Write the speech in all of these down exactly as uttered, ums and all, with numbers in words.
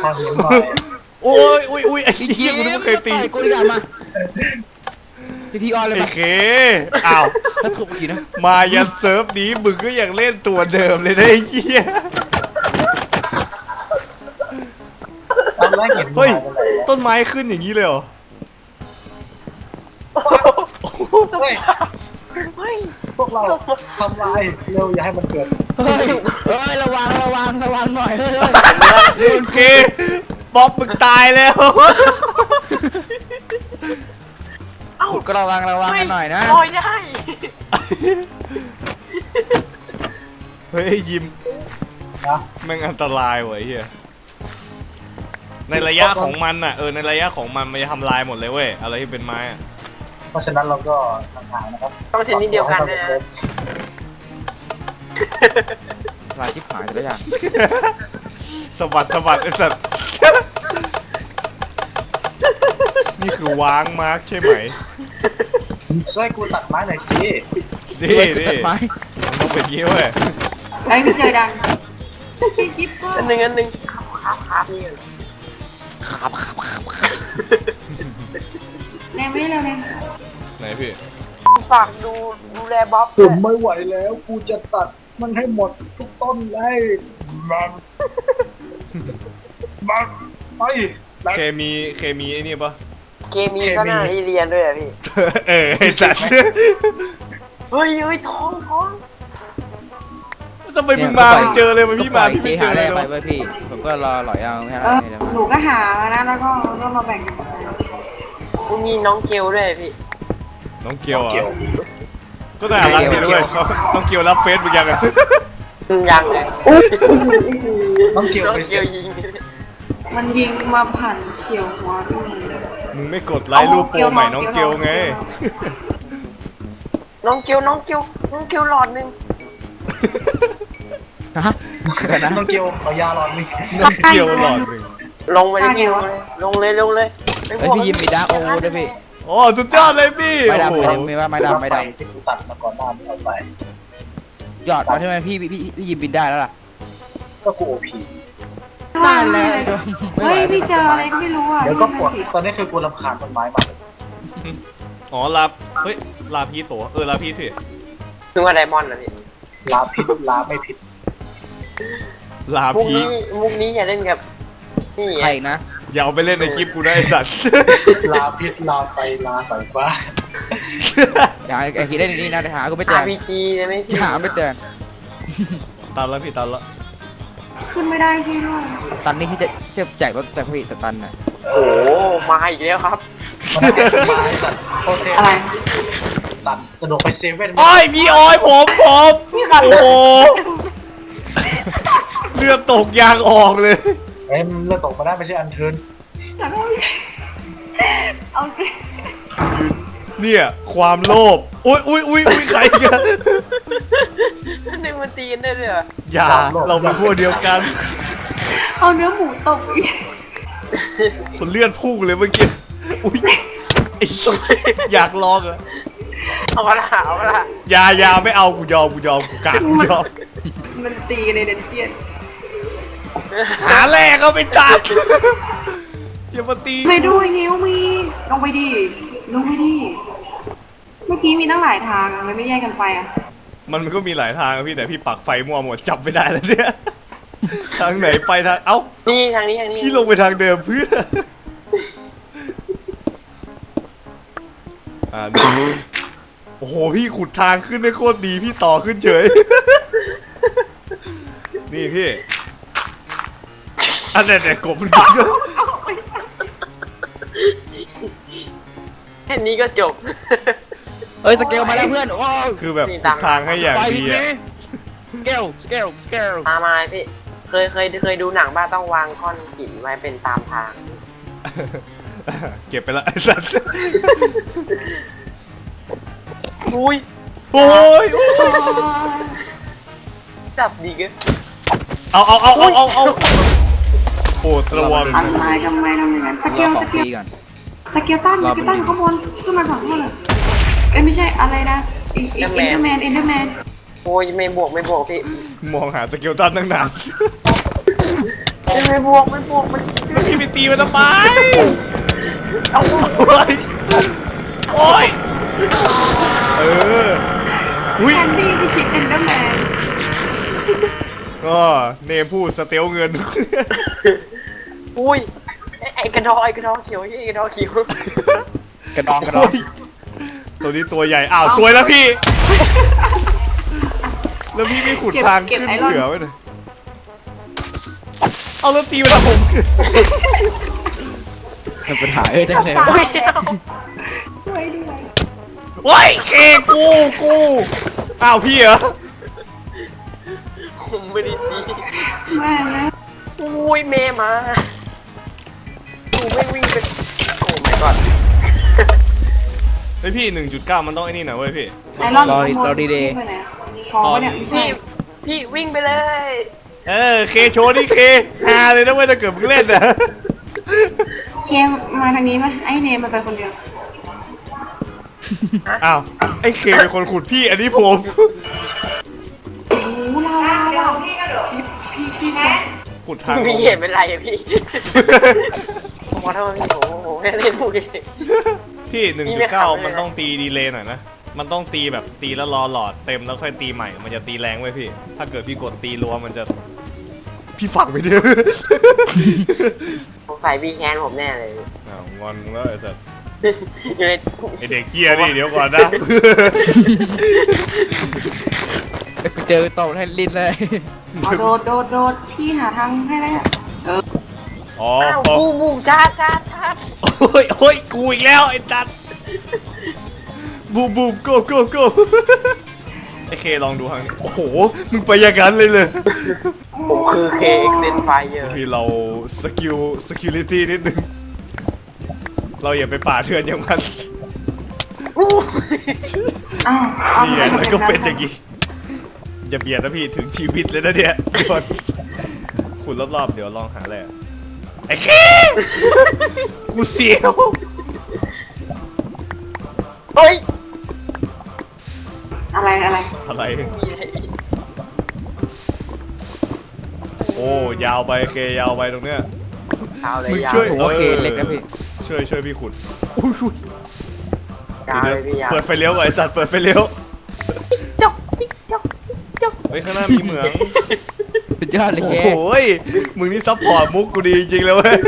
างหินหน่อยโอ้ยอุ้ยอุ้ยไอ้เหี้ยกูนึกว่าเคยตีกูดีกว่ามาพี่ทีออนเลยไอ้มาเคอ้าวถ้าถูกเมื่อกี้นะมายันเซิร์ฟนี้มึงก็ยังเล่นตัวเดิมเลยนะไอ้เหี้ยตอนแรกเห็นเฮ้ยต้นไม้ขึ้นอย่างนี้เลยเหรอเฮ้ยเฮ้ยพวกเราทำลายเร็วอย่าให้มันเกิดเฮ้ยเฮ้ยระวังระวังระวังหน่อยเฮ้ยโอเคบ๊อบมึงตายแล้วก็ระวังระวังกันหน่อยนะลอยได้เฮ้ยยิมนะแม่งอันตรายว่ะไอ้เหี้ยในระยะของมันอ่ะเออในระยะของมันมันจะทำลายหมดเลยเว้ยอะไรที่เป็นไม้อ่ะเพราะฉะนั้นเราก็ห่างๆนะครับต้องชนิดเดียวกันนะลายชิบหายแต่ละอย่างสะบัดสะบัดไอ้สัตว์ นี่คือวางมาร์กใช่ไหมช่วยกูตัดไม้หน่อยสินี่ด้วยนี่ตัดไม้มันต้องเป็นงี้เว้ยไอ้พี่เจอดังพี่กิ๊บก็อันหนึ่งอันหนึ่งครับครับนี่ครับครับครับแนมไม่ได้เร็วแนมไหนพี่ฝากดูดูแลบ๊อบผด้วมยไม่ไหวแล้วกูจะตัดมันให้หมดทุกต้นเลยมันมันไปเคมีเคมีไอ้นี่ปะเคมีก็น่าเรียนด้วยอะพี่เออไอ้สัตว์เฮ้ยเฮ้ยท้องท้องทำไมมึงมามึงเจอเลยมันพี่มาพี่ไม่เจอเลยไปเนาะเว้ยพี่ผมก็รอหลอยเอาแค่เอนั้นอเองหนูก็หามานะแล้วก็ก็มาแบ่งกันกูมีน้องเกลด้วยพี่น้องเกียวอ่ะเกี่ยวก็น่ารักดีด้วยเขาน้องเกียวรับเฟซมึงยังอ่ะยังเลยต้องเกี่ยวน้องไปเกเสียลยิงมันยิงมาผ่านเฉียวหัวด้วยมึงไม่กดไลค์รูปโปรใหม่น้องเกียวไงน้องเกลน้องเกลน้องเกลหลอดหนึ่งฮะเดี๋ยวนะต้องเกี่ยวขอยาหลอดนึงน้องเกียวหลอดหนึ่งลงไปเลยพี่ลงเลยลงเลยลงเลยเฮ้ยพี่ยิมมีดาร์กโอเวอร์ด้วยพี่โอ้สุดยอดเลยพี่ไม่โอ้ดำโหไม่ดำไม่ว่าไม่ดำไม่ดที่กูตัดมาก่อนหน้านี้เอาไปำหยอดเอาใช่ไหมพี่พี่พี่ยิมบินได้แล้วล่ะก็กูโอพีนั่นแหละเฮ้ยพี่เจออะไรก็ไม่รู้อ่ะเดี๋ยวก็ปวดตอนนี้คือกูรำคาญต้นไม้มากอ๋อลาบเฮ้ยลาพีตัวเออลาพีสิถึงว่าไดมอนด์นะพี่ลาพิษลาไม่พิษลามุกพีนี้มุกนี้อย่าเล่นกับนี่ใครอีกนะอย่าเอาไปเล่นในคลิปกูได้ไอ้สัตว์ลาพิษลาไฟลาสายฟ้าอย่าไอ้ทีเล่นนี่นะหากูไม่เจอาอร์พีจีนะไม่หาไม่เจอตันแล้วพี่ตันแล้วขึ้นไม่ได้ที่ด้วยตันนี่ที่จะจะแจกรถแจกพี่แต่ตันน่ะโอ้มาอีกแล้วครับมาสัตว์โอเคอะไรตัดจะโดดไปเซเว่นอ้อยมีออยผมผมโอ้โหเลือดตกยางออกเลยเอ้ยเลือดตกมาได้ไม่ใช่อันเทิร์นแต่ก็เอาสิเนี่ยความโลภอุ้ยอุ้ยอุ้ยอุ้ยใครกันหนึ่งมันตีกันได้เลยเหรออย่าเราเป็นพวกเดียวกันเอาเนื้อหมูตบอีกคนเลื่อนพุ่งเลยเมื่อกี้อุ้ยไอ้สัสอยากลองอะเอาละเอาละอย่าอย่าไม่เอากูยอมกูยอมกูกาดกูยอมมันตีกันในเดนเจียนหาแรกเขาไปตัดอย่ามาตีไม่ดูไอ้นิ้วมีลงไปดิลงไปดิเมื่อกี้มีตั้งหลายทางอะมันไม่แยกกันไปอ่ะมันก็มีหลายทางอะพี่แต่พี่ปักไฟมั่วหมดจับไม่ได้แล้วเนี่ยทางไหนไปทางเอ้านี่ทางนี้ทางนี้พี่ลงไปทางเดิมเพื่ออ่าดูโอ้โหพี่ขุดทางขึ้นได้โคตรดีพี่ต่อขึ้นเฉยนี่พี่อันนี้แต่กบมันก็แค่นี้ก็จบเอ้ยสเกลมาแล้วเพื่อนโอ้คือแบบขุดทางให้อย่างไปดีพี่อะสเกลสเกลสเกลตามมาพี่เคยเคยเคยดูหนังบ้าต้องวางก้อนหินไว้เป็นตามทางเก็บไปละไอ้สัสอุ้ยโอ้ยจับดีเกันเอาเอาเอาเอาเอาเอาโอ้ตะวันอะไรทำไมทำอย่างนั้นสเกรอลขอสงเกฟลรีก่อนสเกลตันสเกลตันข้างบนขึ้นมาสองคนเลยเอ้ยไม่ใช่อะไรนะอีกอีกเอ็นเดอร์แมนเอ็นเดอร์แมนโอ้ยไม่บวกไม่บวกพี่มองหาสเกลตันตั้งนานไม่บวกไม่บวกมันแล้วพี่ไปตีมันทำไมเอาโอ้ยโอ้ยเอออุ้ยแคนดี้ที่คิดเอ็นเดอร์แมนก็เนมพูดสเตลเงินอุ้ยไอ้ไอ้กระดองไอ้กระดองเขียวไอ้กระดองเขียวกระดองกระดองโอ้ยตัวนี้ตัวใหญ่อ้าวสวยแล้วพี่ แล้วพี่ไม่ขุดทางขึ้นเหนือไว้หน่อยเอาแล้วตีไปทางผมเป็นปัญหาเอ้ยจังเลยอุ้ยช่วยด้วยโอ้ยเคกูกูอ้าวพี่เหรอผมไม่ได้ตีแม่นะอุ้ยเมย์มาดูไม่วิ่งเป็นโอ้ไม่ก่อนไอพี่หนึ่งจุดเก้ามันต้องไอ้นี่หน่อยเว้ยพี่ไอรอนขโมยไปไหนพอปะเนี่ยไม่ใช่พี่พี่วิ่งไปเลยเออเคโชว์นี่เคฮาเลยนะเว้ยถ้าเกิดมึงเล่นนะเคมาทางนี้ไหมไอเนมมันไปคนเดียวอ้าวไอเคเป็นคนขุดพี่อันนี้ผมโอ้โหเราเราพี่พี่พี่แม่ขุดทางพี่เห็นเป็นไรอะพี่ผมขอโทษพี่โอ้โหแค่เล่นพูดเองพี่หนึ่งจุดเก้ามันต้องตีดีเลย์หน่อยนะ มันต้องตีแบบตีแล้วรอหลอดเต็มแล้วค่อยตีใหม่ มันจะตีแรงไว้ยพี่ ถ้าเกิดพี่กดตีรัวมันจะ พี่ฝังไปเดียวสงสัยพี่แค้นผมแน่เลยอ้าวงอนมึงแล้วไอ้สัสอยู่ในไอเด็กเกียร์นี่เดี๋ยวก่อนนะไปเจอตบให้ลิ้นเลยเอาโดดโดดโดดพี่หาทางให้ได้เอออ๋ออ้าวพอบูมบูมชาร์จชาร์จชาร์จโอ้ยโอ้ยกูอีกแล้วไอ้จัดบูมบูมโก้โก้โก้ไอเคลองดูทางนี้โอ้โหมึงไปอย่างนั้นเลยเลยผมคือ เค เอ็กซ์ เอ็น Fire พี่เราสกิลสกิลิตี้นิดนึงเราอย่าไปป่าเถื่อนอย่างมันอ้าวเอานี่ไงแล้วก็เป็นอย่างนี้อย่าเบียดนะพี่ถึงชีวิตเลยนะเนี่ยก่อนขุดรอบๆเดี๋ยวลองหาอะไรอะไอ้เคกูเสียวเฮ้ยอะไรอะไรอะไรมีอะไรอีกโอ้ยาวไปเคยาวไปตรงเนี้ยเอาเลยมึงยาวช่วยโอเคเล็กนะพี่ช่วยช่วยพี่ขุดอุ้ยอุ้ยยาวเดี๋เลยวยพี่ยาวเปิดไฟเลี้ยวก่อนไอสัตว์เปิดไฟเลี้ยวจกจิ๊กจกจกเฮ้ยข้างหน้ามีเหมืองสุดยอดเลยโอ้แกโหยมึงนี่ซัพพอร์ตมุกกูดีจริงๆเลยเว้ย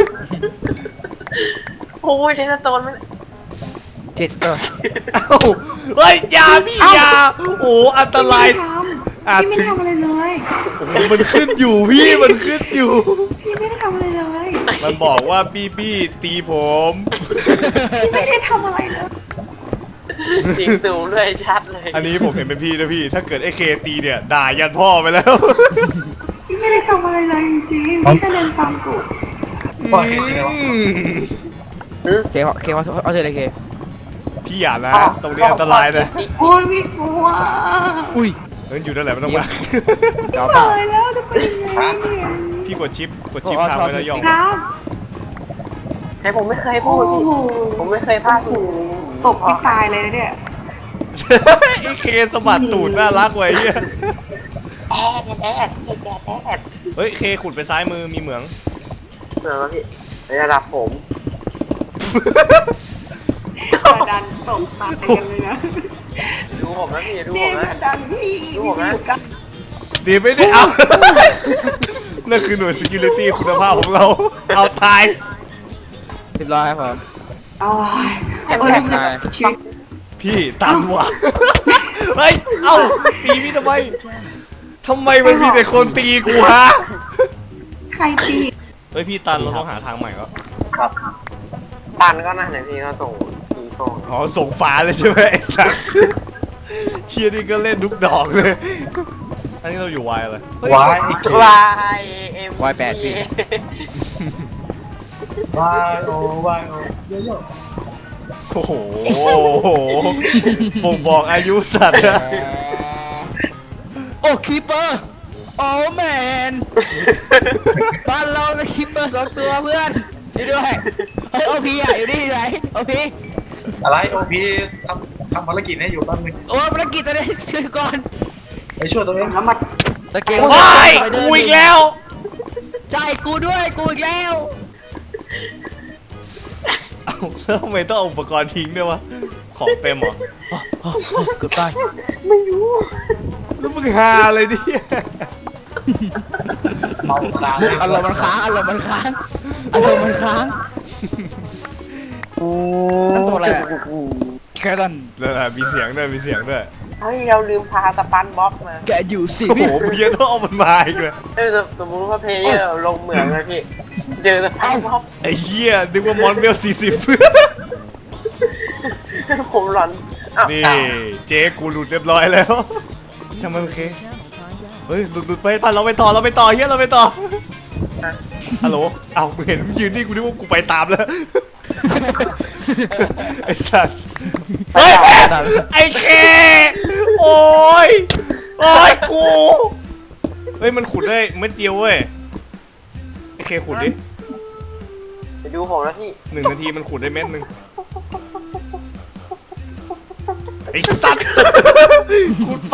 โอ้ยเทสโตนมันเจ็ดเออเอ้าเฮ้ยอยาพี่อยาโอ้โหอันตรายพี่อาจไม่ถึได้งทำอะไรเลยโอ้โหมันขึ้นอยู่พี่มันขึ้นอยู่พี่ไม่ได้ทำอะไรเลยมันบอกว่าบี้บี้ตีผมพี่ไม่ได้ทำอะไรเลยเสียงสูงด้วยชัดเลยอันนี้ผมเห็นเป็นพี่นะพี่ ถ้าเกิดไอ้เคตีเนี่ยด่ายันพ่อไปแล้วพี่ไม่ได้ทำอะไรเลยจริงๆพี่แค่เดินตามกูปล่อยให้เชื่อวะอืมเคเอาเคเอาเอาเจอเลยเคพี่อย่านะตรงนี้อันตรายนะโอ้ยพี่กลัวอุ้ยเอออยู่นั่นแหละไม่ต้องมาเดี๋ยวตาเปล่ายแล้วจะไปยังไงเนี่ยพี่กดชิปกดชิปทางไว้แล้วย่องครับให้ผมไม่เคยพูดโอ้โหผมไม่เคยพลาดถูกตกพี่ตายเลยนะเนี่ยไอ้เคสะบัดตูดน่ารักไว้เหี้ยแอดแอดแอดแอดแอดเฮ้ยเคขุดไปซ้ายมือมีเหมืองเหมือนว่าพี่ในระดับผมกระดันตกตายกันเลยนะดูผมนะพี่ดูเนี่ผยมกนะระดันพี่ดูผมนะอยู่กันดีไม่ได้เอา นั่นคือหน่วย security คุณภาพของเรา เอาตายเรียบร้อยครับผมโอ้ยแอบโอ้ยแอบมาชีวิตพี่ตันว่ะ เฮ้ย เอ้า ตีพี่ทำไม ทำไมมันมีแต่คนตีกูฮะใครตีเฮ้ยพี่ตันเราต้องหาทางใหม่ก็ครับตันก็น่าไหนพี่ก็ส่งทีโฟงอ๋อส่งฟ้าเลยใช่ไหมไอ้สัสเชียร์นี่ก็เล่นทุกดอกเลย อันนี้เราอยู่วายอะไรเฮ้ยวายอีกวายเอ็มวายแปดพี่วายโอวายโอเยอะโอ้โหบ่งบอกอายุสัตว์นะโอ้คีเปอร์โอ้แมนบ้านเราเป็นคีเปอร์สองตัวเพื่อนช่วยด้วยเฮ้ยโอพีอ่ะอยู่นี่ไหนโอพีๆอะไรโอพีทำทำภารกิจให้อยู่แป๊บนึงโอ้ภารกิจตอนนี้ช่วยก่อนไปช่วยตัวเองแล้วมาตะเกียบว้ายกูอีกแล้วใจกูด้วยกูอีกแล้วเอ้าแล้วทำไมต้องเอาอุปกรณ์ทิ้งด้วยวะของเต็มเหรอกูตายแล้วมึงหาเลยดิเมาค้างอารมณ์มันค้างอารมณ์มันค้างอารมณ์มันค้างนั่นตัวอะไรอะแค่นั้นแล้วนะมีเสียงด้วยมีเสียงด้วยเฮ้ยเราลืมพาสปันบ๊อบมาแกอยู่สิโอ้โหมึงยังต้องเอามันมาอีกเลยเออสมมติว่าเพลเยอร์ลงเหมืองเลยพี่เจอสปันบ๊อบไอ้เหี้ยนึกว่ามอนเวลสี่สิบผมหลอนอ้าวนี่เจ๊กูหลุดเรียบร้อยแล้วช่างมันโอเคเฮ้ยหลุดหลุดไปไปเราไปต่อเราไปต่อเฮียเราไปต่อฮัลโหลเอ้ามึงเห็นมึงยืนนี่กูนึกว่ากูไปตามแล้วไอ้สัสเฮ้ยไอ้เคโอ้ยโอ้ยกูเฮ้ยมันขุดได้เม็ดเดียวเว้ยไอ้เคขุดดิไปดูผมแล้วพี่หนึ่งนาทีมันขุดได้เม็ดหนึ่งไอ้สัตว์ขุดไป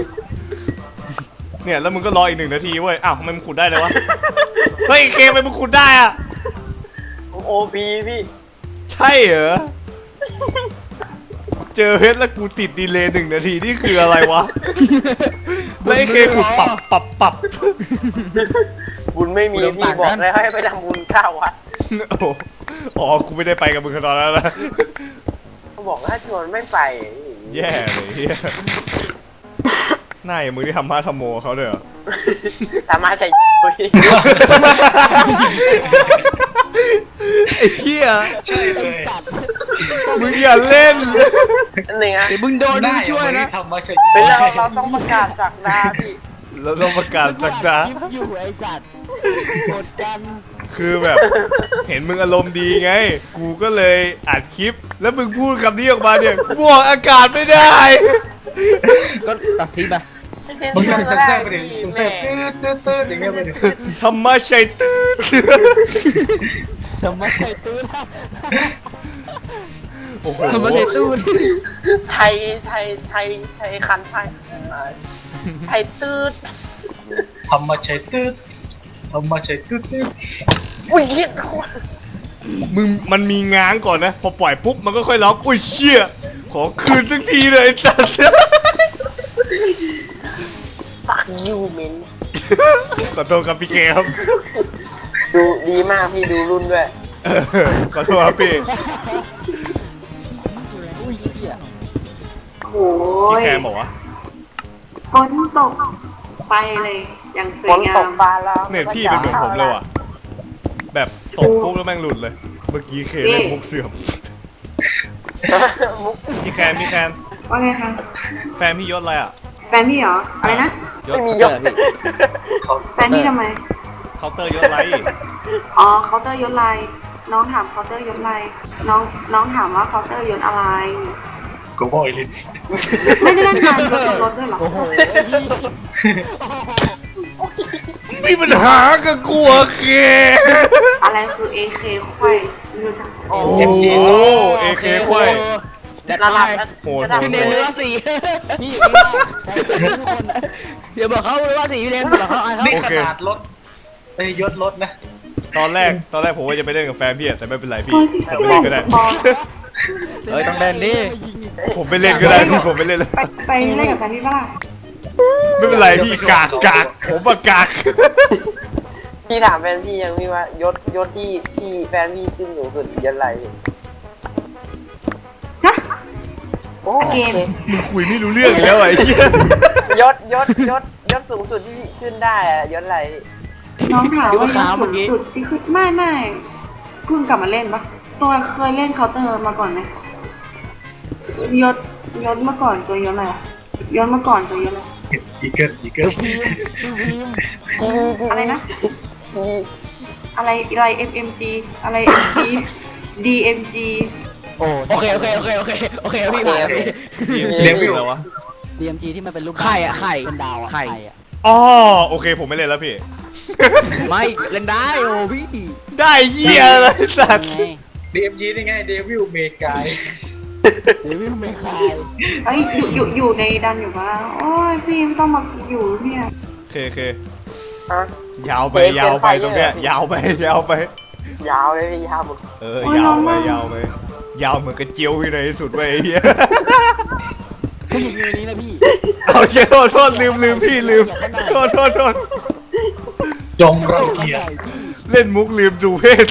เนี่ยแล้วมึงก็รออีกหนึ่งนาทีเว้ยอ้าวทำไมมึงขุดได้เลยวะเฮ้ยเคไปมึงขุดได้อะโอพีพี่ใช่เหรอเจอเพชรแล้วกูติดดีเลย์หนึ่งนาทีนี่คืออะไรวะแล้วไอ้เคขุดปรับปรับปรับบุญไม่มีพี่บอกแล้วให้ไปทำบุญข้าววัดโอ้โหอ๋อกูไม่ได้ไปกับมึงตอนนั้นนะเขาบอกว่าชวนไม่ไปแย่เลยเฮียหน้าอย่างมึงที่ทำมาทำโมเขาด้วยเหรอสามารถใช้ไอ้เหี้ยใช่เลยมึงอย่าเล่นนั่นเองนะเดี๋ยวมึงโดนมึงช่วยนะทำมาใช่เป็นเราเราต้องประกาศสักดาพี่เราต้องประกาศสักดาอยู่ไอ้จัดหมดกันคือแบบ เห็นมึงอารมณ์ดีไง กูก็เลยอัดคลิป แล้วมึงพูดคำนี้ออกมาเนี่ยบวกอากาศไม่ได้ก็ตัดทิ้งไปไม่เซ็นมึงเซอยังร์จะก็แทรได้กไปดิพี่เซ็แม่นตืดตืดตืดอย่างเงี้ยไปดิธรรมะชัยตื้อสมมาใส่ตู้นะโอ้โหสมมาใส่ตู้ชัยชัยชัยชัยคันไทยไทยตืดทำมาใช่ตืดทำมาใช่ตืดตืดอุ้ยเหี้ยมึงมันมีง้างก่อนนะ พอปล่อยปุ๊บมันก็ค่อยร้อง อุ้ยเชี่ย ขอคืนสักทีเลยไอ้สัสปักยูเมนขอโทษครับพี่เกครับดูดีมากพี่ดูรุ่นด้วยเออขอโทษครับพี่โอ้พี่ยแคมบอกว่าฝนตกไปเลยอย่างสวฝยนงาตมกฟ้าแล้วเนี่ยพี่เป็นเหมือนผมเลยว่ะ แบบตกปุ๊บแล้วแม่งหลุดเลย เมื่อกี้เคเล่นมุกเสื่อมมุกพี่แคนพี่แคนว่าไงคะแฟนพี่ยศอะไรอ่ะแฟนพี่เหรอ อะไรนะยศไม่มียกแฟนพี่ทำไมเคาน์เตอร์ยศไรอ๋อเคาน์เตอร์ยศอะไรน้องถามเคาน์เตอร์ยศอะไรน้องน้องถามว่าเคาน์เตอร์ยศอะไรกูบอกไอ้ลินไม่ได้เล่นการยศบนรถด้วยเหรอมีปัญหากับกูเหรอเคอะไรคือ เอ เค ไขว้ไม่รู้จักโอ้โหเอเคควายจัดระไปดับโหดระดับพี่เนโหนดเรือสี่พี่ทุกคนเดี๋ยวบอกเขาเลยว่าสี่พี่เนนบอกเขาไอ้เขานี่ขนาดรถไอ้ยศรถนะตอนแรกตอนแรกผมว่าจะไปเล่นกับแฟนพี่อะแต่ไม่เป็นไรพี่เฮ้ยผมไปเล่นก็ได้บอลเฮ้ยต้องเดินดิผมไปเล่นก็ได้พี่ผมไปเล่นเลยไปไปเล่นกับแฟนพี่ปะล่ะไม่เป็นไรพี่กากกากผมอะกากพี่ถามแฟนพี่ยังพี่ว่ายศยศที่พี่แฟนพี่ขึ้นสูงสุดยศอะไรฮะโอ้เกมมึงคุยไม่รู้เรื่องอีกแล้วไอ้เหี้ยยศยศยศยศสูงสุดที่พี่ขึ้นได้อะยศอะไรน้องถามว่าสุดสุดที่คือไม่ไม่เพิ่งกลับมาเล่นปะตัวเคยเล่นเคาน์เตอร์มาก่อนไหมยศยศเมื่อก่อนตัวยศอะไรอะยศเมื่อก่อนตัวยศอะไรอีเกิลอีเกิลดีดีอะไรนะดีอะไรอะไร เอ็ม เอ็ม จี อะไร เอ็ม จี ดี เอ็ม จีโอเคโอเคโอเคโอเคโอเคพี่มาพี่ดีเอ็มจีคืออะไรวะดี เอ็ม จี ที่มันเป็นรูปไข่อะไข่เป็นดาวอะไข่อะอ๋อโอเคผมไม่เล่นแล้วพี่ไม่เล่นได้โอ้พี่ได้เหี้ยอะไรสัตว์ไงดีเอ็มจีนี่ไงเดวิลเมกายเดวิลเมคายเอ้ยอยู่อยู่อยู่ในดันอยู่ปะโอ้ยพี่ไม่ต้องมาอยู่เนี่ยโอเคโอเคฮะยาวไปเดินยาวไปเดินไปตรงเนี้ยเนี่ยยาวไปยาวไปยาวเลยพี่ยาวหมดเออยาวไปยาวไปยาวเหมือนกระเจียวที่ไหนที่สุดไปไอ้เหี้ยผู้หญิงอยู่ในนี้นะพี่เอาเหี้ยโทษโทษลืมลืมพี่ลืมโทษโทษโทษจงรังเกียจเล่นมุกลืมดูเพศ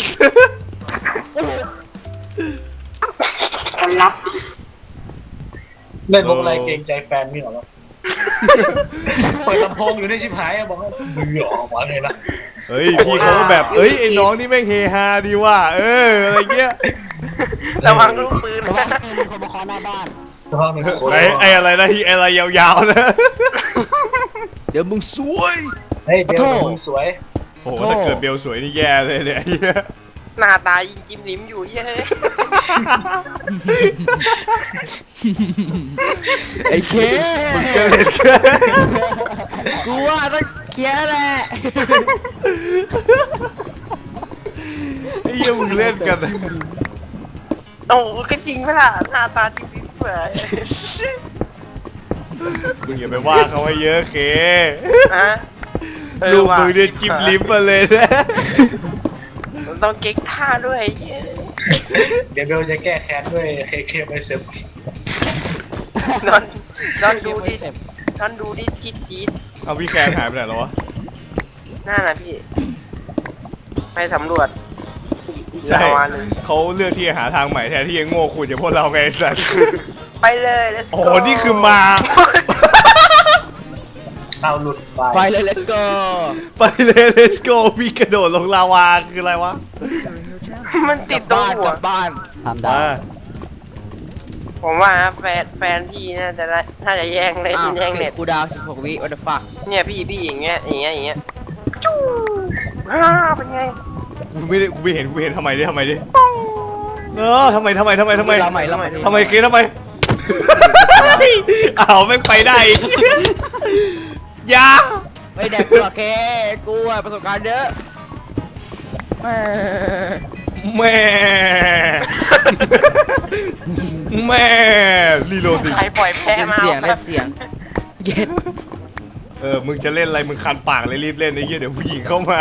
คนรับเล่นมุกอะไรเกรงใจแฟนนี่เหรอวะเปิดลำโพงอยู่ในชิบหายอะบอกว่าเบื่อออกมาเลยนะเฮ้ยพี่เขาก็แบบเอ้ยไอ้น้องนี่แม่งเฮฮาดีว่ะเอออะไรเงี้ยระวังลูกปืนเพราะว่านะมีคนมาเคาะหน้าบ้านสภาพหนึ่งคนไอ้ไอ้อะไรนะที่ไอ้อะไรยาวๆนะเดี๋ยวมึงซวยเฮ้ยเบลโทษมึงสวยโอ้โหถ้าเกิดเบลสวยนี่แย่เลยเนี่ยไอ้เหี้ยหน้าตายิงจิ้มลิ้มอยู่เย้ยไอ้เคมึงจะเล่นกันกูว่าต้องเคลียร์แหละไอ้เหี้ยมึงเล่นกันโอ้ก็จริงไหมล่ะหน้าตาจิ้มลิ้มเปื่อยมึงอย่าไปว่าเขาไว้เยอะเคฮะเออลูกว่ะมึงเนี่ยจิ้มลิ้มมาเลยนะมันต้องเก๊กท่าด้วยเย้ยเดี๋ยวเบลจะแก้แค้นด้วยเคเคไปเสร็จนอนนอนดูดินอนดูดิชิดพีทเอาพี่แคนหายไปไหนแล้ววะหน้านะพี่ ไปสำรวจใช่ประมาณนึงเขาเลือกที่จะหาทางใหม่แทนที่จะโง่ขุดอย่างพวกเราไงไอ้สัสไปเลย let's โอ้ go โหนี่คือมาเอาหลุดไปไปเลย let's go ไปเลย let's go พี่กระโดดลงลาวาคืออะไรวะมันติดตรงบ้านหักวลับบ้านทำได้อ่าผมว่าแฟนแฟนพี่น่าจะได้น่าจะแย่งเลยอ้าวแย่งเน็ตกูดาวสิบหกวิ what the fuck เนี่ยพี่พี่อย่างเงี้ยอย่างเงี้ยอย่างเงี้ยจู้ฮ่าเป็นไงกูไม่ได้กูไม่เห็นกูไม่เห็นทำไมดิทำไมดิเออทำไมทำไมทำไมทำไมเราใหม่เราใหม่ทำไมเกทำไม อ้าวแม่งไปได้อีกอยาไม่แดกตัวเคกูอะประสบการณ์เยอะแม่แม่แม่รีโหลดสิใครปล่อยแพ้เล่นมาเสียงคเล่รับนเสียงเย็ดเออมึงจะเล่นอะไรมึงคันปากเลยรีบเล่นไอ้เหี้ยเดี๋ยวผู้หญิงเข้ามา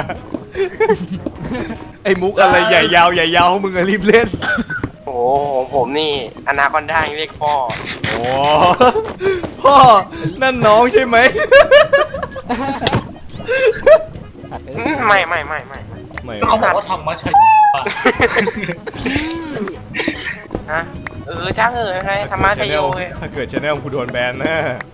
ไอ้มุกอะไรใหญ่ยาวใหญ่ยาวมึงอะรีบเล่นโอ้โหของผมนี่อนาคอนด้ายังเรียกพ่อโอ้พ่อนั่นน้องใช่ไหมตัดเออือมไม่ไม่ไม่ไม่ไม่ไม่ก็เขาบอกว่าทำมาใช่ปะฮะเออจ้างเออใครธรรมะชโยเว้ยถ้าเกิดชาแนลกูโดนแบนนะ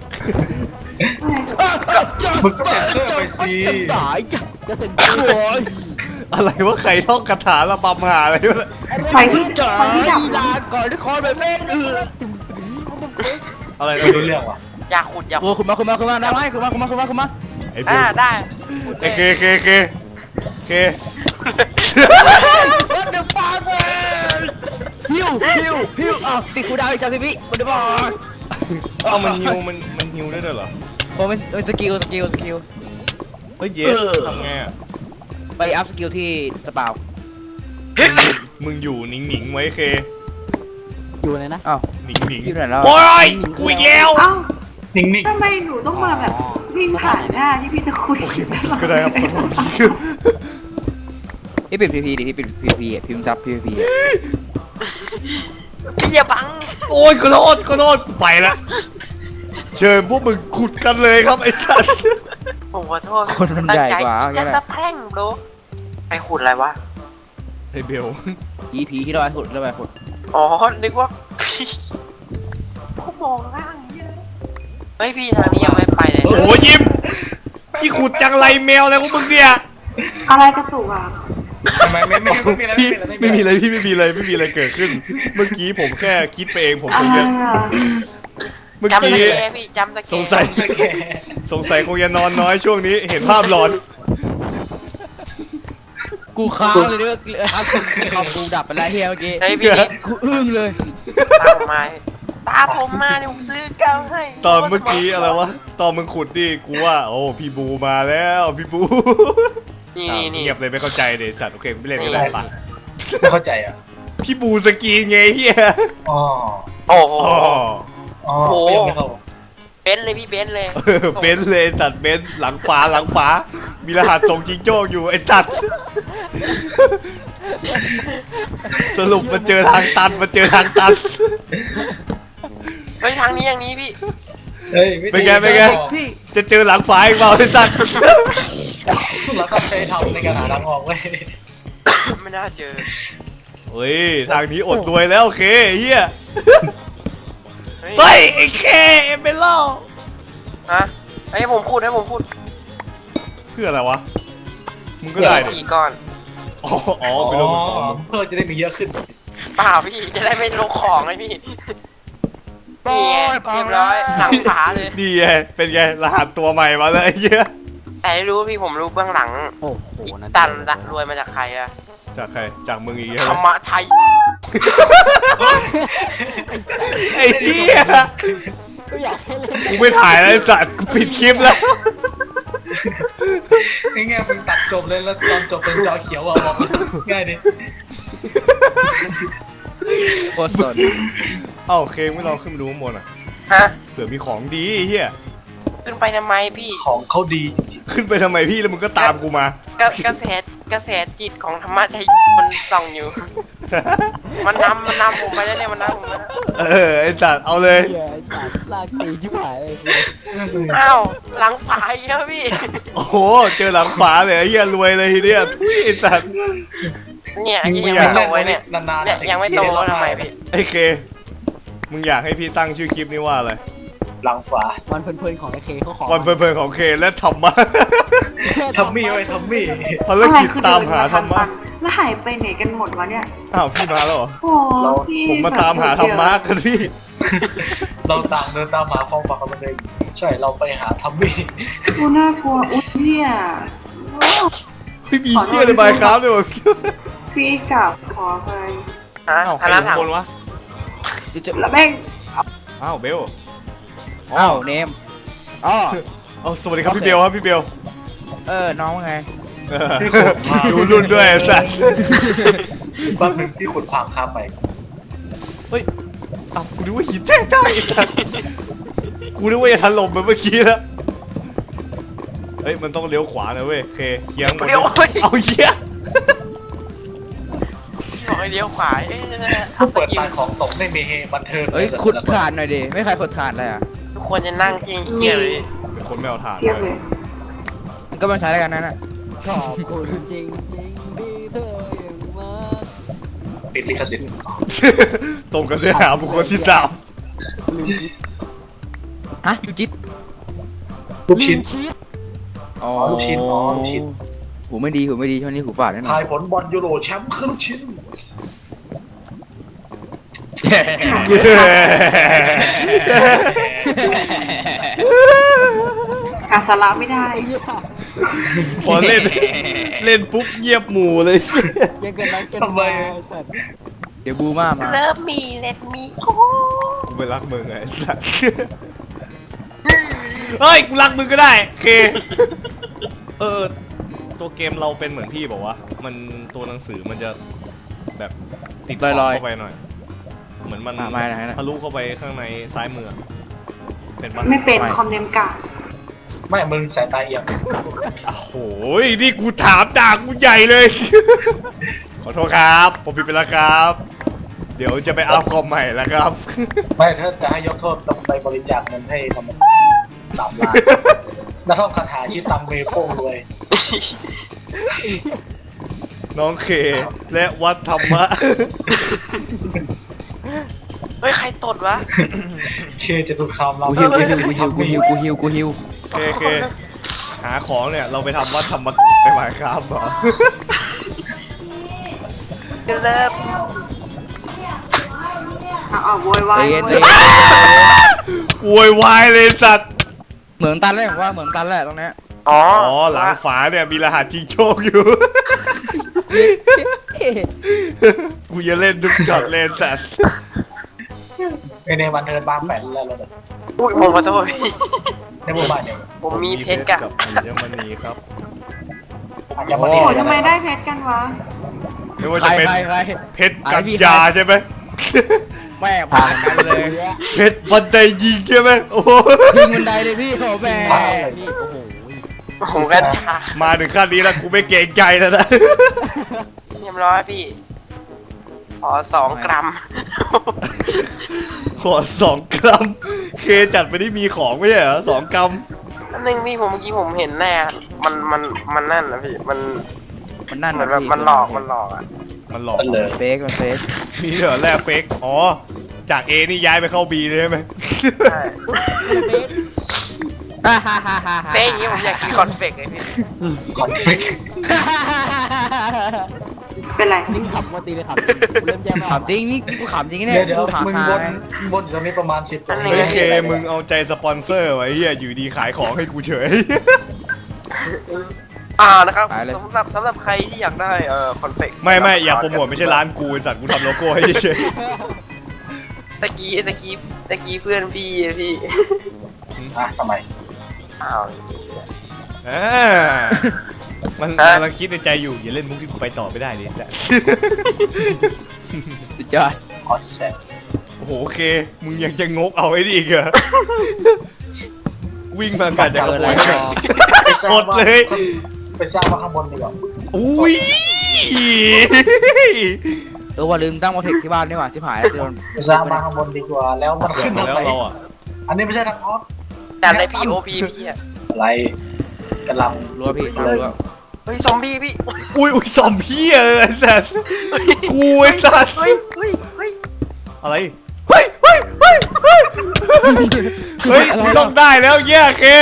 มึงก็เซ็นเซอร์ไปสิจะตายจ้ะก็เซ็นโอ้ยอะไรวะใครท่องคาถาระบำหาอะไรวะใครที่จ๋าใครที่ดับลาก่อนที่คอแบบแม่งเอออะไรไม่รู้เรื่องว่ะอยากขุดอยากโอ้คุณมาคุณมาคุณมาได้ไหมคุณมาคุณมาคุณมาคุณมาไอ้เบอ่าลได้ไอ้เคเคเคเค What the fuck เว้ยฮิวฮิวฮิวอ้าวติดคูดาวอีกสามสิบวิมันจะบอกเอามันฮิวมันมันฮิวได้ด้วยเหรอโอ้เป็นเป็นสกิลสกิลสกิลเฮ้ยเยสทำไงอ่ะไปอัพสกิลที่สเปามึงอยู่หนิงหนิงๆไว้เคอยู่เลยนะอ้าวหนิงหนิงอยู่ไหนแล้วโอ้ยกูอีกแล้วเอ้านิ่งทำไมหนูต้องมาแบบวิ่งผ่านหน้าที่พี่จะคุยโอเคก็ได้ครับขอโทษพี่คือพี่ปิดพีพีดิพี่ปิดพีพีพิมพ์ซับพีพีพี่อย่าบังโอ้ยขอโทษขอโทษกูไปละเชิญพวกมึงขุดกันเลยครับไอ้สัสผมขอโทษคนมันใหญ่กว่าจะสะแพร่งโบรไปขุดอะไรวะไอ้เบลผีผีที่เราไปขุดเราไปขุดอ๋อ นึกว่าพี่เขามองล่างเยอะเฮ้ยพี่ทางนี้ยังไม่ไปเลยโอ้ยยิ้มพี่ขุดจังไรแมวอะไรพวกมึงเนี่ยอะไรกระตุกอ่ะๆทำไมไม่ไม่ไม่มีอะไรพี่ไม่มีอะไรไม่มีอะไรพี่ไม่มีอะไรไม่มีอะไรเกิดขึ้น เมื่อกี้ผมแค่คิดไปเองผมอะคงไรจะอ่ะจำตะเมื่อกี้แกพี่จำตะแกสงสัยสแกนสงสัยคงจะนอนน้อยช่วงนี้เห็นภาพหลอนกูค้างเลยด้วยครับคอมกูดับไปแล้วเฮียเมื่อกี้เฮ้ยพี่นิดกูอึ้งเลยตามผมมาตามผมมาเนี่ยผมซื้อกาวให้ตอนเมื่อกี้อะไรวะตอนมึงขุดดิกูว่าโอ้พี่บูมาแล้วพี่บูนี่อ้าวนี่นี่เงียบเลยไม่เข้าใจเดสัตว์โอเคไม่เล่นไม่ได้ปะไม่เข้าใจอ่ะพี่บูสกีไงเฮียอ๋อโอ้โหอ๋ออ๋อโอ้โหก็ยังไม่เข้าเอนซ์เลยพี่เบนซ์เลยเออเบนซ์เลยสัตว์เบนซ์หลังฟ้าหลังฟ้า มีรหัสส่งจิงโจ้อยู่ไอ้สัตว์สรุปมาเจอทางตันมาเจอทางตันเฮ้ยทางนี้อย่างนี้พี่เฮ้ยวิธีเป็นไงเป็นไงพี่จะเจอหลังฟ้าอีกเปล่าไอ้สัตว์เราต้องใช้ทำในการหาทางออกเว้ยไม่น่าเจอเฮ้ยทางนี้อดรวยแล้วโอเคเฮียเฮ้ยเฮ้ยไอ้เคเอ็มเบลล่าฮะให้ผมพูดให้ผมพูดเพื่ออะไรวะมึงก็ได้ดิสี่ก้อนอ๋ออ๋อไปลงมือของมึงเพื่อจะได้มีเยอะขึ้นเปล่าพี่จะได้ไม่ลงของไงพี่นี่ไงเรียบร้อยหลังฝาเลยดีไงเป็นไงรหัสตัวใหม่มาเลยไอ้เหี้ยแต่ไม่รู้พี่ผมรู้เบื้องหลังโอ้โหนั่นตันละรวยมาจากใครอะจากใครจากมึงอีกธใช่รไหรมมชัยไอ้เหี้ยก็อยากให้เล่นกูไม่ถ่ายแล้วไอ้สัตว์กูปิดคลิปแล้วง่ายๆมึงตัดจบเลยแล้วตอนจบเป็นจอเขียวอ่ะบอกง่ายดิโคตรสนเอ้าเคไม่ลองขึ้นไปดูข้างบนอ่ะฮะเผื่อมีของดีไอ้เหี้ยขึ้นไปทำไมพี่ของเขาดีจริงขึ้นไปทำไมพี่แล้วมึงก็ตามกูมากระกระแสกระแสจิตของธรรมชัยมันส่องอยู่ มันนำมันนำผมไปแล้วเนี่ยมันนำผมไปแล้วเออไอ้สัตว์เอาเลยเหี้ยไอ้สัตว์ลากตีชิบหายเลยอ้าวหลังฝาอีกแล้วพี่โอ้โหเจอหลังฝาเลยไอ้เหี้ยรวยเลยทีเนี้ยทุยไอ้สัตว์เนี่ยๆยังไม่โตไว้เนี่ยนานๆเนี่ยยังไม่โตทำไมพี่ไอ้เคมึงอยากให้พี่ตั้งชื่อคลิปนี้ว่าอะไรหลังฝาวันเพลินๆของไอ้เคเขาขอวันเพลินๆของเคและธรรมะทัมมี่ไว้ทัมมี่ภารกิจตามหาธรรมะแล้วหายไปไหนกันหมดวะเนี่ยอ้าวพี่มาแล้วเหรอโอ้พี่ผมมาตามหาธรรมะกันพี่เราต่างเดินตามหาความฝันของมันเองใช่เราไปหาทัมมี่กูน่ากลัวอุ้ยเนี่ยโอ้เฮ้ยมีเหี้ยในบายครับเลยวะพี่กลับขอไปฮะอ้าวใคอัรนอนั้นยู่ถังข้างบนวะจะแล้วแม่งอ้าวเบลอ้าวเนมอ๋อเอาสวัสดีครับพี่เบลครับพี่เบลเออน้องว่าไงเออดูรุ่นด้วยไอ้สัสบ้านหนึ่งที่ขุดความค้าไปเฮ้ยอ้าวกูนึกว่าหินแท่งได้ไอ้สัสกูนึกว่าจะถล่มเหมือนเมื่อกี้แล้วเฮ้ยมันต้องเลี้ยวขวานะเว้ยโอเคเคียงหมดเลี้ยวเฮ้ยเอาเหี้ยบอกให้เลี้ยวขวาเอ๊ะผู้เปิดตาของตกไม่มีเฮบันเทิงเอ้ยขุดถ่านหน่อยดิไม่ใครขุดถ่านเลยอ่ะทุกคนจะนั่งเคียงๆเลยเป็นคนไม่เอาถ่านเทียบเลเลย ยมันก็มาใช้แล้วกันนั่นน่ะขอบคุณจริงจริงๆที่เธอยังมาปิดลิขสิทธิ์ตรงกันเนื้อหาบุคคลที่สามลืมคิดฮะยูจิตลูกชิ้นลืมคิดอ๋อลูกชิ้นอ๋อลูกชิ้นหูไม่ดีหูไม่ดีช่วงนี้หูฝาดแน่นอทาน ยผลบอลยูโรแชมป์คือลูกชิ้นหาสาระไม่ได้ไอ้เหี้ยพอเล่นเล่นปุ๊บเงียบหมู่เลยยังกันนั้นกันทำไมไอ้สัตว์เดี๋ยวบูมามาเริ่มมีเล็ดมีโอ้กูไม่รักมึงไงไอ้สัสเฮ้ยกูรักมึงก็ได้โอเคเออตัวเกมเราเป็นเหมือนพี่บอกว่ามันตัวหนังสือมันจะแบบติดขอบเข้าไปหน่อย เหมือนมันมามาไหนนะทะลุเข้าไปข้างในซ้ายมือเป็นปะไม่เป็นคอมเนมกาไม่มึงสายตาเอียงโอ้ยนี่กูถามจากกูใหญ่เลย ขอโทษครับผมผิดไปแล้วครับ เดี๋ยวจะไปอัพคอมใหม่แล้วครับไม่ถ้าจะให้ยกโทษต้องไปบริจาคเงินให้ทำสามล้านนักท่องคาถาชื่อตังเมโป้งรวยน้องเคและวัดธรรมะเฮ้ยใครตดวะเชื่อจะตุคามเรากูฮิวกูฮิวกูฮิวกูฮิวกูฮิวกูฮิวโอเคโอเคหาของเนี่ยเราไปทำวัดธรรมะไปหมายครับเหรอเริ่มอ่ะอ่ะโวยวาใจยเย็นใจโวเย็ยนโวยวายเลยสัตว์เหมืองตันเลยผมว่าเหมืองตันแหละตรงเนี้ยอ๋ออ๋อหลังฝาเนี่ยมีรหัสจิงโชคอยู่ กูจะเล่นทุกช็อตเล่นสัตว์ในในวันเทิร์นบางแปดแล้วเราแบบอุ้ยผมขอโทษพี่ในหมู่บ้านเนี่ยผมมีเพชรกับอัญมณีครับอาจจะมาดีโอ้ทำไมได้เพชรกันวะไม่ว่าใครจะเป็นใครใครเพชรกัญญาใช่ไหมแม่ผ่านกันเลยเพช็ดบันไดยิงใช่ไหมโอ้โหยิงบันไดเลยพี่โอ้แม่พี่โอ้โหผมก็จ้ามาถึงขั้นนี้แล้วกูไม่เกรงใจแล้วนะเรียบร้อยพี่ขอสองกรัมขอสองกรัมเคจัดไปที่มีของไม่ใช่เหรอสองกรัมอันนึงพี่ผมเมื่อกี้ผมเห็นแน่มันมันมันนั่นนะพี่มันมันนั่นเหมือนแบบมันหลอกมันหลอกอ่ะมันหลอกกันเลยเฟกมันเฟกมีเหรอแรกเฟกอ๋อจากเอนี่ย้ายไปเข้าบีเลยใช่ไหมใช่ฮ่าฮ่าฮ่าฮ่าเฟ้ยอย่างนี้ผมอยากกินคอนเฟกเลยพี่คอนฟ lict เป็นไรนี่ขับมาตีเลยขับเริ่มแย่มากขำจริงนี่กูขำจริงเนี่เดี๋ยยวเดี๋ยวกูขำมึงหาบนบนอยู่ตรงนี้ประมาณสิบเฮ้ยเคมึงเอาใจสปอนเซอร์ไว้เฮียอยู่ดีขายของให้กูเฉยอ่านะครับสำหรับสำหรับใครที่อยากได้เอ่อคอนเฟกไม่ไม่อย่าโปรโมทไม่ใช่ร้านกูไอ้สัตว์กูทำโลโก้ให้เฉยตะกี้ตะกี้ตะกี้เพื่อนพี่อะพี่อ่ะทำไมอ้าวอ่ามันกำลังคิดในใจอยู่อย่าเล่นมุกที่กูไปต่อไม่ได้เลยสัตว์สุดยอดคอนเซ็ปต์โอ้โหโอเคมึงยังจะงกเอาไอ้นี่อีกเหรอวิ่งมากันจะขเกิดโมอะไรยต่อไปสร้างหมดเลยไปสร้างมาข้างบนดีกว่าอุ้ยเออว่าลืมตั้งโมเทคที่บ้านนี่หว่าชิบหายแล้วโดนไปสร้างมาข้างบนดีกว่าแล้วมันขึ้นมาทางแล้วไหนเราอ่ะอันนี้ไม่ใช่ทางออกแต่ในพีโอพีพี่อะอะไรกำลังรัวพี่รัวเฮ้ยซอมบี้พี่อุ้ยอุ้ยซอมพี่เออไอ้สัตว์กูไอ้สัตว์เฮ้ยเฮ้ยเฮ้ยอะไรเฮ้ยเฮ้ยเฮ้ยเฮ้ยเฮ้ยมึงต้องได้แล้วแย่เค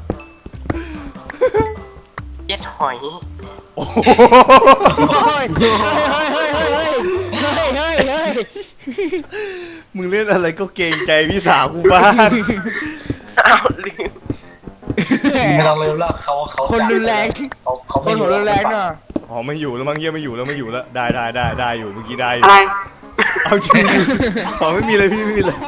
เย็ดหอยโอ้โหเฮ้ยเฮ้ยเฮ้ยเฮ้ยเฮ้ยเฮ้ยเฮ้ยมึงเล่นอะไรก็เกรงใจพี่สาวกูบ้างอ้าวลืมไม่ต้องลืมแล้วเขาเขาคนรุนแรงเขาเขาคไม่นอหัยู่วรุนแรงน่ะอ๋อไม่อยู่แล้วมั้งเยี่ยไม่อยู่แล้วไม่อยู่แล้วได้ได้ได้ได้อยู่เมื่อกี้ได้อยู่อะไรเอาจริงอ๋อไม่มีเลยพี่ไม่มีเลย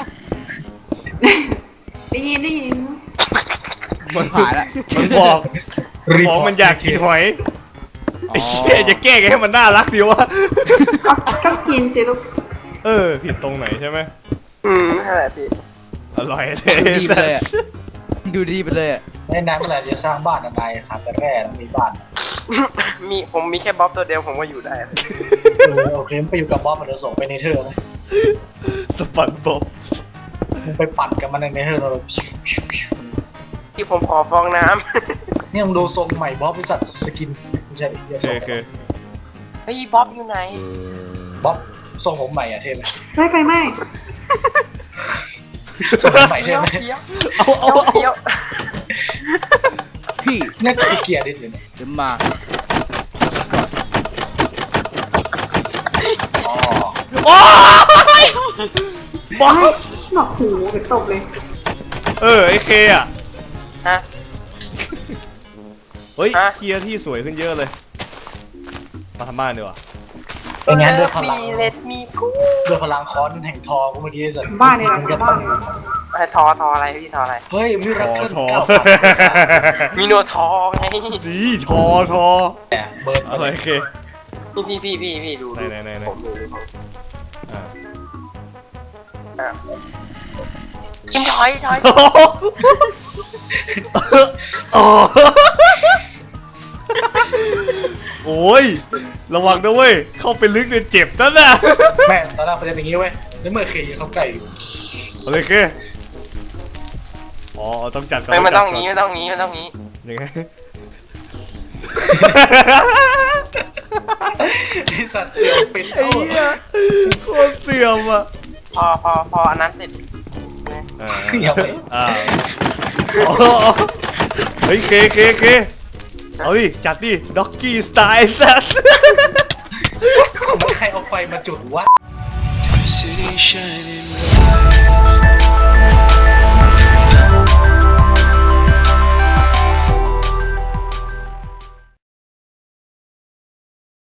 ได้ยินได้ยินมันผ่านละมันบอกมันบอกมันอยากกินหอยไอ้เหี้ยจะแก้ไงให้มันน่ารักดีวะก็ก็กินสิลูกเออผิดตรงไหนใช่ไหมอืมนั่นแหละพี่อร่อยเลดูยดีไปเลยอะดูดีไปเลยอะในนั้นเมื่อไหร่จะสร้างบ้านอะไรหาแต่แร่แล้วมีบ้านมีผมมีแค่บ๊อบตัวเดียวผมก็อยู่ได้เออโอเคมึงไปอยู่กับบอสมันจะส่งไปในเธอร์ไหมสปันบ๊อบมึงไปปั่นกับมันในเนเธอร์เราที่ผมขอฟองน้เนี่ยมึงดูทรงใหม่บอสบริษัทสกินไม่ใช่เฮียโอเคทรงโอเคำเฮ้ยบ๊อบอยู่ไหนบอสทรงผมใหม่อะเท่ไหมไม่ไปไม่ทรงผมใหม่เฟี้เท่ยวไหมเฟี้ยวเอาเอาเอาเฟี้ยวพี่เนี่ยก็เกียร์ดิอยู่เนี่ยเดี๋ยวมาอ๋อโอ้ยบ๊อบหนอกหูไปตบเลยเออไอเคอะฮะเฮ้ยฮะเคลียร์ที่สวยขึ้นเยอะเลยมาทำบ้านดีกว่าเป็นงั้นด้วยพลังมีเล็ดมีกูด้วยพลังค้อนแห่งทองกูเมื่อกี้สัตว์บ้านเนี่ยมึงก็บ้าต้อน งเนี่ยไอ้ทอทออะไรพี่ทออะไรเฮ้ยมิทราอเคิลทอเก้ามีโนทอไงดีทอทอแต่เบิร์ดอะไรเคพี่พี่พี่พี่พี่ดูไหนไหนไหนไหนผมดูดูผมอ่าอ่ะกินถอยถอยโอ้ยระวังนะเว้ยเข้าไปลึกเนี่ยเจ็บนั่นน่ะแม่ตอนแรกเขาจะเป็นอย่างนี้เว้ยแล้วเมื่อเคยเขาไก่อยู่อะไรเคอ๋อต้องจัดก่อนไม่ไม่ต้องจัดก่งี้ไม่ต้องงี้ไม่ต้องงี้ยังไงไอสัตว์เสี่ยวเป็นไอ้เหี้ยโคตรเสื่อมอ่ะพอพอพออันนั้นเสร็จอ่าเสี่ยวไปอ่าอ๋อเฮ้ยเคเคเคเอาดิจัดดิด็อกกี้สไตล์สัสใครเอาไฟมาจุดวะ City shining bright.